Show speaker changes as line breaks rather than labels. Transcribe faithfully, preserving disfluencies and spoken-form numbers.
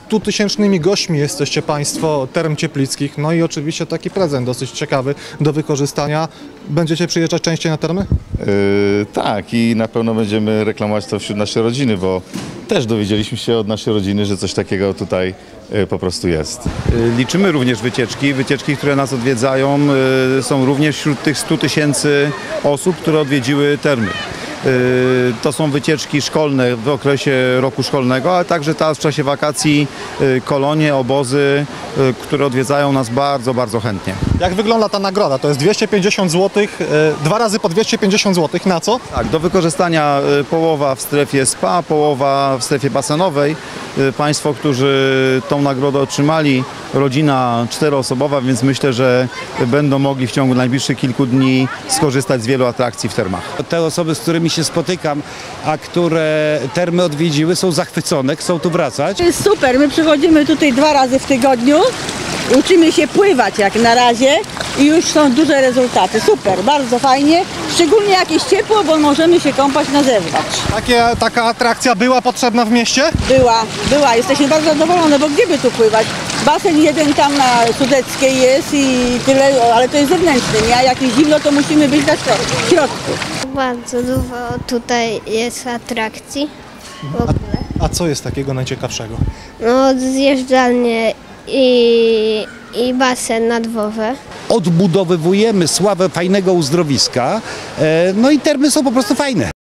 stutysięcznymi gośćmi jesteście Państwo Term Cieplickich, no i oczywiście taki prezent dosyć ciekawy do wykorzystania. Będziecie przyjeżdżać częściej na termy?
Yy, tak, i na pewno będziemy reklamować to wśród naszej rodziny, bo też dowiedzieliśmy się od naszej rodziny, że coś takiego tutaj yy, po prostu jest.
Liczymy również wycieczki. Wycieczki, które nas odwiedzają, yy, są również wśród tych stu tysięcy osób, które odwiedziły termy. To są wycieczki szkolne w okresie roku szkolnego, ale także teraz w czasie wakacji kolonie, obozy, które odwiedzają nas bardzo, bardzo chętnie.
Jak wygląda ta nagroda? To jest dwieście pięćdziesiąt złotych, dwa razy po dwieście pięćdziesiąt złotych. Na co?
Tak, do wykorzystania połowa w strefie spa, połowa w strefie basenowej. Państwo, którzy tą nagrodę otrzymali, rodzina czteroosobowa, więc myślę, że będą mogli w ciągu najbliższych kilku dni skorzystać z wielu atrakcji w termach.
Te osoby, z którymi się spotykam, a które termy odwiedziły, są zachwycone, chcą tu wracać.
To jest super, my przychodzimy tutaj dwa razy w tygodniu, uczymy się pływać jak na razie i już są duże rezultaty. Super, bardzo fajnie, szczególnie jak jest ciepło, bo możemy się kąpać na zewnątrz.
Takie, taka atrakcja była potrzebna w mieście?
Była, była, jesteśmy bardzo zadowolone, bo gdzie by tu pływać? Basen jeden tam na Sudeckiej jest i tyle, ale to jest zewnętrzny, nie? A jak jest zimno, to musimy być na środku.
Bardzo dużo tutaj jest atrakcji w ogóle.
A, a co jest takiego najciekawszego?
No, zjeżdżalnie i, i basen na dworze.
Odbudowywujemy sławę fajnego uzdrowiska, no i termy są po prostu fajne.